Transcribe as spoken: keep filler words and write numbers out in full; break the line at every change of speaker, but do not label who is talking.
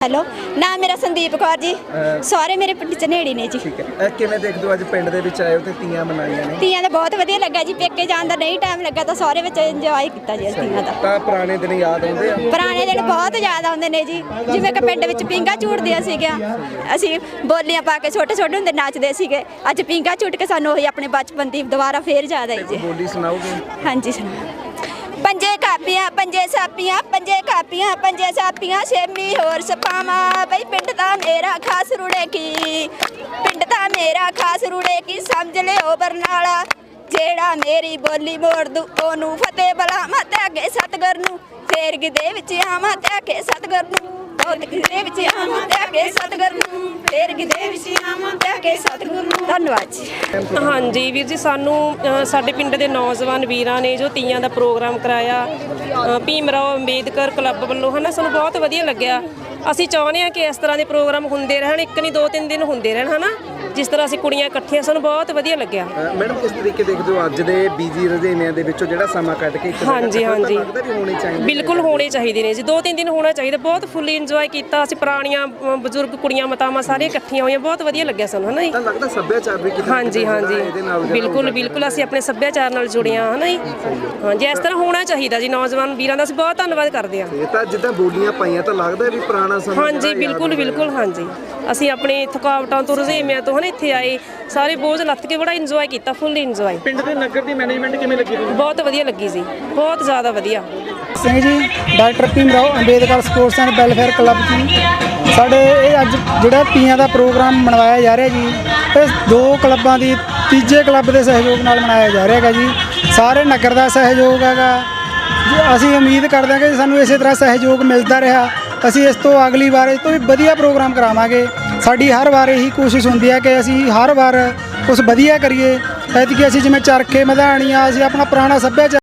Hello, ਨਾਮ ਮੇਰਾ ਸੰਦੀਪ ਕੌਰ ਜੀ। ਸਾਰੇ ਮੇਰੇ ਪਿੰਡ ਝਨੇੜੀ ਨੇ ਜੀ।
ਠੀਕ ਹੈ, ਕਿਵੇਂ ਦੇਖਦੇ ਹੋ ਅੱਜ ਪਿੰਡ ਦੇ ਵਿੱਚ ਆਏ ਹੋ ਤੇ ਤੀਆਂ ਮਨਾਈਆਂ ਨੇ?
ਤੀਆਂ ਦਾ ਬਹੁਤ ਵਧੀਆ ਲੱਗਾ ਜੀ। ਪੇਕੇ ਜਾਣ ਦਾ ਨਹੀਂ ਟਾਈਮ ਲੱਗਾ ਤਾਂ ਸਾਰੇ ਵਿੱਚ ਇੰਜੋਏ ਕੀਤਾ ਜੀ ਤੀਆਂ ਦਾ।
ਤਾਂ ਪੁਰਾਣੇ ਦਿਨ ਯਾਦ ਆਉਂਦੇ ਆ?
ਪੁਰਾਣੇ ਦਿਨ ਬਹੁਤ ਯਾਦ ਆਉਂਦੇ ਨੇ ਜੀ। ਜਿਵੇਂ ਕਿ ਪਿੰਡ ਵਿੱਚ ਪੀਂਘਾਂ ਝੂਟਦੀਆਂ ਸੀਗੀਆਂ, ਅਸੀਂ ਬੋਲੀਆਂ ਪਾ ਕੇ ਛੋਟੇ ਛੋਟੇ ਹੁੰਦੇ ਨੱਚਦੇ ਸੀਗੇ। ਅੱਜ ਪੀਂਘਾਂ ਝੂਟ ਕੇ ਸਾਨੂੰ ਉਹੀ ਆਪਣੇ ਬਚਪਨ ਦੀ ਦੁਬਾਰਾ ਫੇਰ ਯਾਦ ਆਈ ਜੀ।
ਬੋਲੀ ਸੁਣਾਓਗੇ?
ਹਾਂਜੀ ਸੁਣਾਓ। ਪੰਜੇ ਕਾਪੀਆਂ ਪੰਜੇ ਸਾਪੀਆਂ ਪੰਜੇ ਕਾਪੀਆਂ ਪੰਜੇ ਸਾਪੀਆਂ ਛੇਮੀ ਹੋਰ ਸਪਾਵਾਂ ਬਈ ਪਿੰਡ ਦਾ ਮੇਰਾ ਖਾਸ ਰੁੜੇ ਕੀ ਪਿੰਡ ਦਾ ਮੇਰਾ ਖਾਸ ਰੁੜੇ ਕੀ ਸਮਝ ਲਿਓ ਬਰਨਾਲਾ ਜਿਹੜਾ ਮੇਰੀ ਬੋਲੀ ਮੋੜ ਦੂ ਉਹਨੂੰ ਫਤਿਹ ਬੁਲਾਵਾਂ ਤੇ ਅੱਗੇ ਸਤਿਗੁਰ ਨੂੰ ਫੇਰ ਗਿੱਧੇ ਵਿੱਚ ਆਵਾਂ ਤੇ ਅੱਗੇ ਸਤਿਗੁਰ ਨੂੰ ਗਿੱਧੇ ਵਿੱਚ ਆਵਾਂ ਤੇ ਅੱਗੇ ਸਤਿਗੁਰ ਨੂੰ ਫੇਰ ਗਿੱਧੇ ਵਿੱਚ ਆਵਾਂ ਤੇ ਅੱਗੇ ਸਤਿਗੁਰ ਨੂੰ। ਧੰਨਵਾਦ ਜੀ।
ਹਾਂਜੀ ਵੀਰ ਜੀ, ਸਾਨੂੰ ਅ, ਸਾਡੇ ਪਿੰਡ ਦੇ ਨੌਜਵਾਨ ਵੀਰਾਂ ਨੇ ਜੋ ਤੀਆਂ ਦਾ ਪ੍ਰੋਗਰਾਮ ਕਰਾਇਆ ਅ, ਭੀਮ ਰਾਓ ਅੰਬੇਦਕਰ ਕਲੱਬ ਵੱਲੋਂ, ਹੈ ਨਾ, ਸਾਨੂੰ ਬਹੁਤ ਵਧੀਆ ਲੱਗਿਆ। ਅਸੀਂ ਚਾਹੁੰਦੇ ਹਾਂ ਕਿ ਇਸ ਤਰ੍ਹਾਂ ਦੇ ਪ੍ਰੋਗਰਾਮ ਹੁੰਦੇ ਰਹਿਣ, ਇੱਕ ਨਹੀਂ ਦੋ ਤਿੰਨ ਦਿਨ ਹੁੰਦੇ ਰਹਿਣ, ਹੈ ਨਾ, ਜਿਸ ਤਰ੍ਹਾਂ ਅਸੀਂ ਕੁੜੀਆਂ ਇਕੱਠੀਆਂ, ਸਾਨੂੰ ਬਹੁਤ ਵਧੀਆ ਲੱਗਿਆ।
ਮੈਡਮ ਕਿਸ ਤਰੀਕੇ ਦੇਖਦੇ ਹੋ ਅੱਜ ਦੇ ਬਿਜ਼ੀ ਰੁਝੇਵਿਆਂ ਦੇ ਵਿੱਚੋਂ ਜਿਹੜਾ ਸਮਾਂ ਕੱਢ ਕੇ ਇੱਕ
ਹਾਂਜੀ ਹਾਂਜੀ
ਲੱਗਦਾ ਵੀ ਹੋਣੇ ਚਾਹੀਦੇ?
ਬਿਲਕੁਲ ਹੋਣੇ ਚਾਹੀਦੇ ਨੇ ਜੀ, ਦੋ ਤਿੰਨ ਦਿਨ ਹੋਣਾ ਚਾਹੀਦਾ। ਬਹੁਤ ਫੁੱਲੀ ਇੰਜੋਏ ਕੀਤਾ ਅਸੀਂ, ਪੁਰਾਣੀਆਂ ਅ, ਬਜ਼ੁਰਗ ਕੁੜੀਆਂ ਮਾਤਾਵਾਂ ਸਾਰੀਆਂ ਇਕੱਠੀਆਂ ਹੋਈਆਂ, ਬਹੁਤ ਵਧੀਆ ਲੱਗਿਆ ਸਾਨੂੰ, ਹੈ ਨਾ ਜੀ।
ਤਾਂ ਲੱਗਦਾ ਸੱਭਿਆਚਾਰ ਵੀ ਕਿਤੇ
ਹਾਂਜੀ ਹਾਂਜੀ ਬਿਲਕੁਲ ਬਿਲਕੁਲ, ਅਸੀਂ ਆਪਣੇ ਸੱਭਿਆਚਾਰ ਨਾਲ ਜੁੜੇ ਹਾਂ, ਹੈ ਨਾ ਜੀ। ਹਾਂਜੀ, ਇਸ ਤਰ੍ਹਾਂ ਹੋਣਾ ਚਾਹੀਦਾ ਜੀ। ਨੌਜਵਾਨ ਵੀਰਾਂ ਦਾ ਅਸੀਂ ਬਹੁਤ ਧੰਨਵਾਦ ਕਰਦੇ ਹਾਂ।
ਇਹ ਤਾਂ ਜਿੱਦਾਂ ਬੋਲੀਆਂ ਪਾਈਆਂ ਤਾਂ ਲੱਗਦਾ ਵੀ ਪੁਰਾਣਾ ਸਮਾਂ
ਹਾਂਜੀ ਬਿਲਕੁਲ ਬਿਲਕੁਲ। ਹਾਂਜੀ, ਅਸੀਂ ਆਪਣੇ ਥਕਾਵਟਾਂ ਤੋਂ ਰੁਝੇਵਿਆਂ ਤੋਂ, ਹੈ ਨਾ, ਇੱਥੇ ਆਏ, ਸਾਰੇ ਬੋਝ ਲੱਥ ਕੇ ਬੜਾ ਇੰਜੋਏ ਕੀਤਾ, ਫੁੱਲ ਇੰਜੋਏ।
ਪਿੰਡ ਦੇ ਨਗਰ ਦੀ ਮੈਨੇਜਮੈਂਟ ਕਿਵੇਂ ਲੱਗੀ ਤੁਹਾਨੂੰ?
ਬਹੁਤ ਵਧੀਆ ਲੱਗੀ ਜੀ, ਬਹੁਤ ਜ਼ਿਆਦਾ ਵਧੀਆ।
Singh ji, doctor Bhim Rao Ambedkar sports and welfare club ji. ਸਾਡੇ ਇਹ ਅੱਜ ਜਿਹੜਾ ਤੀਆਂ ਦਾ ਪ੍ਰੋਗਰਾਮ ਮਨਾਇਆ ਜਾ ਰਿਹਾ ਜੀ, ਇਹ ਦੋ ਕਲੱਬਾਂ ਦੀ ਤੀਜੇ ਕਲੱਬ ਦੇ ਸਹਿਯੋਗ ਨਾਲ ਮਨਾਇਆ ਜਾ ਰਿਹਾ ਹੈਗਾ ਜੀ। ਸਾਰੇ ਨਗਰ ਦਾ ਸਹਿਯੋਗ ਹੈਗਾ ਜੀ। ਅਸੀਂ ਉਮੀਦ ਕਰਦੇ ਹਾਂ ਕਿ ਸਾਨੂੰ ਇਸੇ ਤਰ੍ਹਾਂ ਸਹਿਯੋਗ ਮਿਲਦਾ ਰਿਹਾ। ਅਸੀਂ ਇਸ ਤੋਂ ਅਗਲੀ ਵਾਰ ਇਸ ਤੋਂ ਵੀ ਵਧੀਆ ਪ੍ਰੋਗਰਾਮ ਕਰਾਵਾਂਗੇ। ਸਾਡੀ ਹਰ ਵਾਰ ਇਹੀ ਕੋਸ਼ਿਸ਼ ਹੁੰਦੀ ਹੈ ਕਿ ਅਸੀਂ ਹਰ ਵਾਰ ਕੁਛ ਵਧੀਆ ਕਰੀਏ। ਐਤਕੀ ਅਸੀਂ ਜਿਵੇਂ ਚਰਖੇ ਮਧਾਣੀਆਂ, ਅਸੀਂ ਆਪਣਾ ਪੁਰਾਣਾ ਸੱਭਿਆਚਾਰ